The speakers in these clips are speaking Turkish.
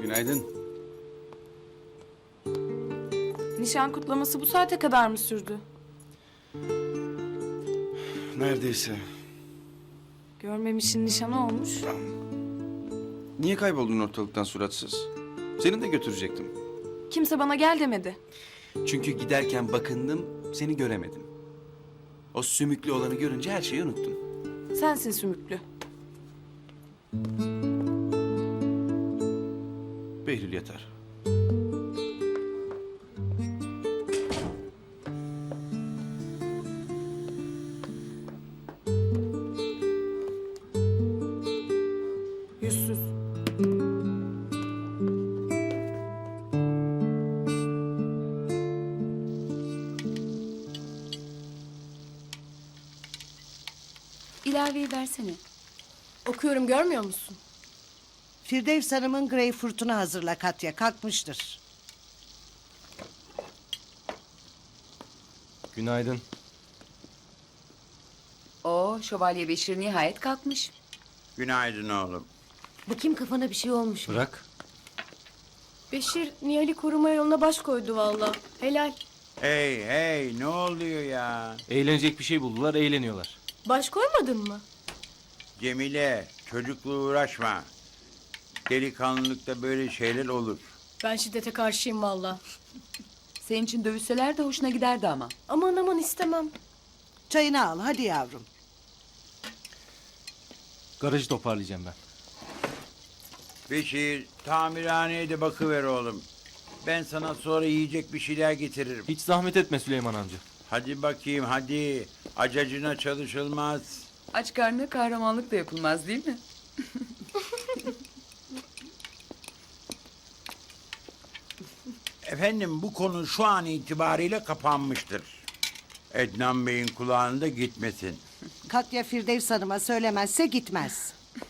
Günaydın. Nişan kutlaması bu saate kadar mı sürdü? Neredeyse. Görmemişin nişanı olmuş. Niye kayboldun ortalıktan suratsız? Seni de götürecektim. Kimse bana gel demedi. Çünkü giderken bakındım, seni göremedim. O sümüklü olanı görünce her şeyi unuttun. Sensin sümüklü. Behlül yatar. Yüzsüz. İlaveyi versene. Okuyorum, görmüyor musun? Firdevs Hanım'ın greyfurtunu hazırla Katya, kalkmıştır. Günaydın. Oo, Şövalye Beşir nihayet kalkmış. Günaydın oğlum. Bakayım kafana bir şey olmuş mu? Bırak. Beşir, Nihal'i koruma yoluna baş koydu valla. Helal. Hey hey ne oluyor ya? Eğlenecek bir şey buldular, eğleniyorlar. Baş koymadın mı? Cemile çocukla uğraşma. Delikanlılıkta böyle şeyler olur. Ben şiddete karşıyım valla. Senin için dövüşseler de hoşuna giderdi ama. Aman aman istemem. Çayını al hadi yavrum. Garajı toparlayacağım ben. Beşir tamirhaneye de bakıver oğlum. Ben sana sonra yiyecek bir şeyler getiririm. Hiç zahmet etme Süleyman amca. Hadi bakayım hadi. Acacına çalışılmaz. Aç karnına kahramanlık da yapılmaz değil mi? Efendim bu konu şu an itibariyle kapanmıştır. Ednan Bey'in kulağında gitmesin. Katya Firdevs Hanım'a söylemezse gitmez.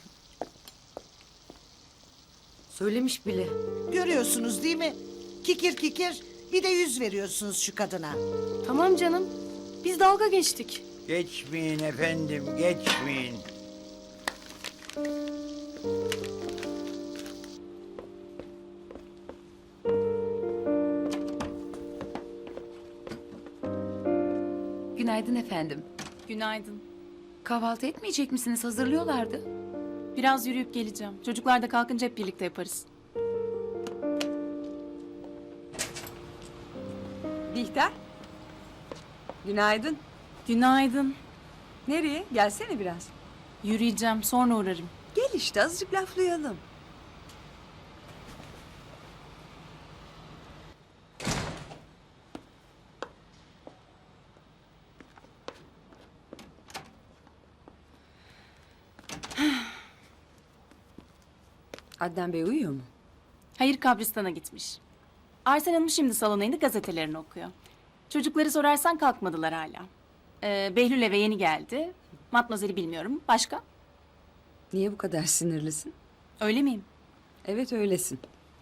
Söylemiş bile. Görüyorsunuz değil mi? Kikir kikir bir de yüz veriyorsunuz şu kadına. Tamam canım. Biz dalga geçtik. Geçmeyin efendim geçmeyin. Günaydın efendim. Günaydın. Kahvaltı etmeyecek misiniz? Hazırlıyorlardı. Biraz yürüyüp geleceğim. Çocuklar da kalkınca hep birlikte yaparız. Bihter. Günaydın. Günaydın. Nereye? Gelsene biraz. Yürüyeceğim, sonra uğrarım. Gel işte azıcık laflayalım. Adnan Bey uyuyor mu? Hayır, kabristana gitmiş. Arsen Hanım şimdi salona indi, gazetelerini okuyor. Çocukları sorarsan kalkmadılar hala. Behlül eve yeni geldi. Matmazel'i bilmiyorum. Başka? Niye bu kadar sinirlisin? Öyle miyim? Evet öylesin.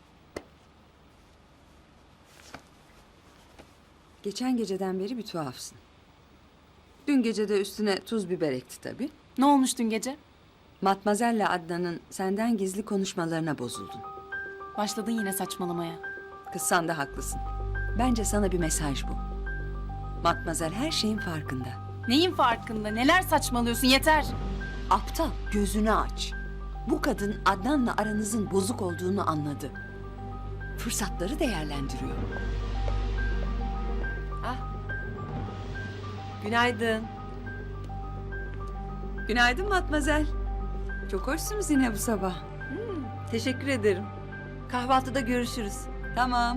Geçen geceden beri bir tuhafsın. Dün gece de üstüne tuz biber ekti tabii. Ne olmuş dün gece? Matmazel'le Adnan'ın senden gizli konuşmalarına bozuldun. Başladın yine saçmalamaya. Kız sen de haklısın. Bence sana bir mesaj bu. Matmazel her şeyin farkında. Neyin farkında? Neler saçmalıyorsun? Yeter. Aptal, gözünü aç. Bu kadın Adnan'la aranızın bozuk olduğunu anladı. Fırsatları değerlendiriyor. Günaydın. Günaydın Matmazel. Çok hoşsunuz yine bu sabah. Teşekkür ederim. Kahvaltıda görüşürüz. Tamam.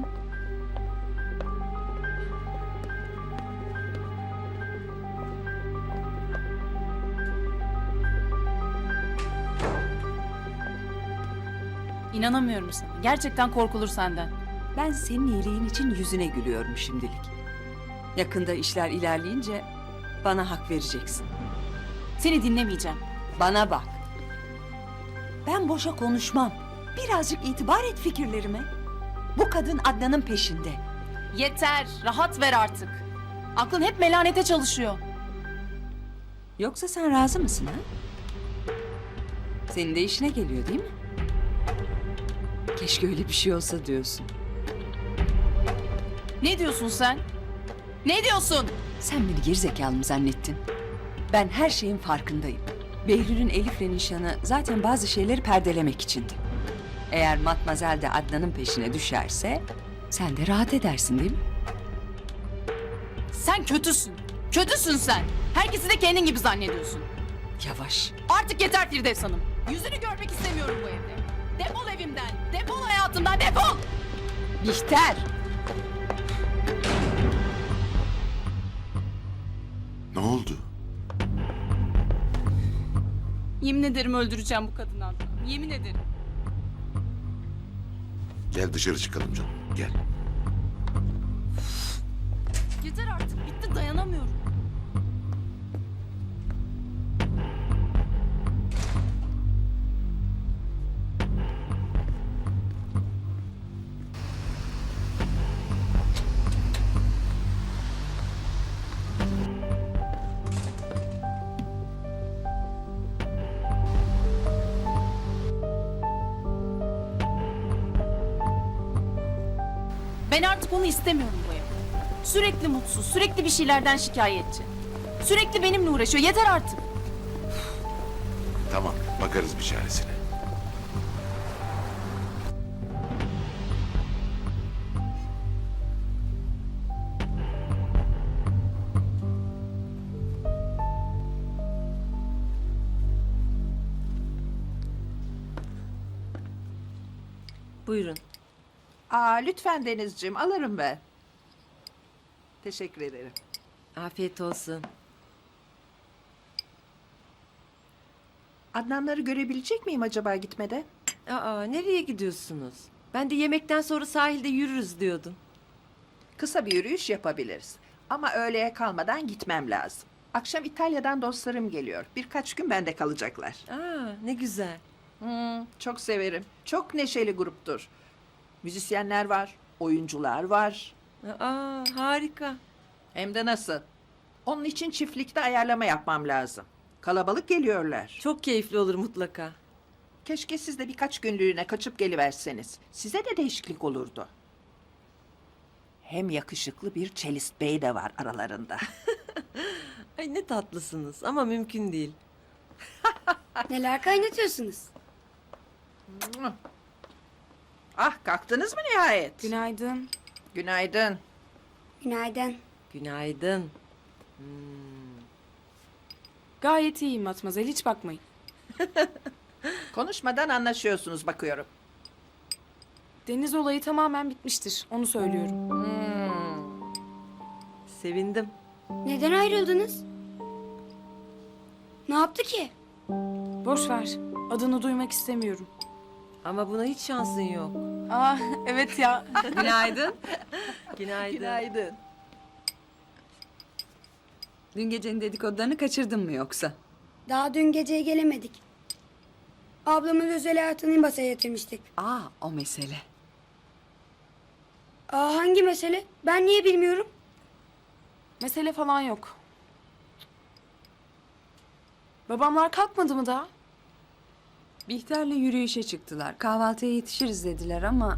İnanamıyorum sana. Gerçekten korkulur senden. Ben senin iyiliğin için yüzüne gülüyorum şimdilik. Yakında işler ilerleyince bana hak vereceksin. Seni dinlemeyeceğim. Bana bak. Ben boşa konuşmam. Birazcık itibar et fikirlerime. Bu kadın Adnan'ın peşinde. Yeter. Rahat ver artık. Aklın hep melanete çalışıyor. Yoksa sen razı mısın ha? Senin de işine geliyor değil mi? Keşke öyle bir şey olsa diyorsun. Ne diyorsun sen? Ne diyorsun? Sen beni gerizekalı mı zannettin? Ben her şeyin farkındayım. Behlül'ün Elif'le nişanı zaten bazı şeyleri perdelemek içindi. Eğer Matmazel de Adnan'ın peşine düşerse sen de rahat edersin değil mi? Sen kötüsün. Kötüsün sen. Herkesi de kendin gibi zannediyorsun. Yavaş. Artık yeter Firdevs Hanım. Yüzünü görmek istemiyorum bu evde. Defol evimden. Defol hayatımdan. Defol. Bihter! Ne oldu? Yemin ederim öldüreceğim bu kadını Adnan. Yemin ederim. Gel dışarı çıkalım canım. Gel. Yeter artık. Bitti, dayanamıyorum. Ben artık onu istemiyorum bu evde. Sürekli mutsuz, sürekli bir şeylerden şikayetçi. Sürekli benimle uğraşıyor. Yeter artık. Tamam, bakarız bir çaresine. Buyurun. Aa, lütfen Denizciğim, alırım ben. Teşekkür ederim. Afiyet olsun. Adnanları görebilecek miyim acaba gitmede? Aa, nereye gidiyorsunuz? Ben de yemekten sonra sahilde yürürüz diyordum. Kısa bir yürüyüş yapabiliriz. Ama öğleye kalmadan gitmem lazım. Akşam İtalya'dan dostlarım geliyor. Birkaç gün bende kalacaklar. Aa, ne güzel. Çok severim. Çok neşeli gruptur. Müzisyenler var, oyuncular var. Aa, harika. Hem de nasıl? Onun için çiftlikte ayarlama yapmam lazım. Kalabalık geliyorlar. Çok keyifli olur mutlaka. Keşke siz de birkaç günlüğüne kaçıp geliverseniz. Size de değişiklik olurdu. Hem yakışıklı bir çelist bey de var aralarında. Ay ne tatlısınız ama mümkün değil. Neler kaynatıyorsunuz? Ah, kalktınız mı nihayet? Günaydın. Günaydın. Günaydın. Günaydın. Gayet iyiyim Matmazel, hiç bakmayın. Konuşmadan anlaşıyorsunuz bakıyorum. Deniz olayı tamamen bitmiştir, onu söylüyorum. Sevindim. Neden ayrıldınız? Ne yaptı ki? Boş ver, adını duymak istemiyorum. Ama buna hiç şansın yok. Aa, evet ya. Günaydın. Günaydın. Günaydın. Dün gecenin dedikodularını kaçırdın mı yoksa? Daha dün geceye gelemedik. Ablamın özel hayatını masaya yatırmıştık. Aa, o mesele. Aa, hangi mesele? Ben niye bilmiyorum? Mesele falan yok. Babamlar kalkmadı mı daha? Bihter'le yürüyüşe çıktılar. Kahvaltıya yetişiriz dediler ama...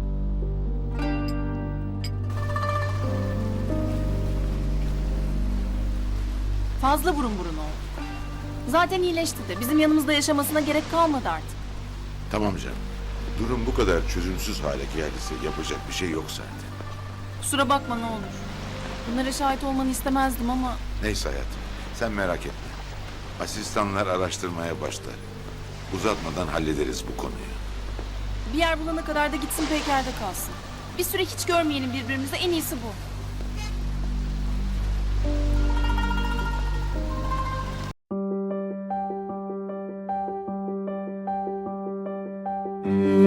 Fazla burun burun oldu. Zaten iyileşti de bizim yanımızda yaşamasına gerek kalmadı artık. Tamam canım. Durum bu kadar çözümsüz hale geldiyse yapacak bir şey yok zaten. Kusura bakma ne olur. Bunlara şahit olmanı istemezdim ama Neyse hayatım, sen merak etme. Asistanlar araştırmaya başlar. Uzatmadan hallederiz bu konuyu. bir yer bulana kadar da gitsin Peker'de kalsın. Bir süre hiç görmeyelim birbirimizi, en iyisi bu.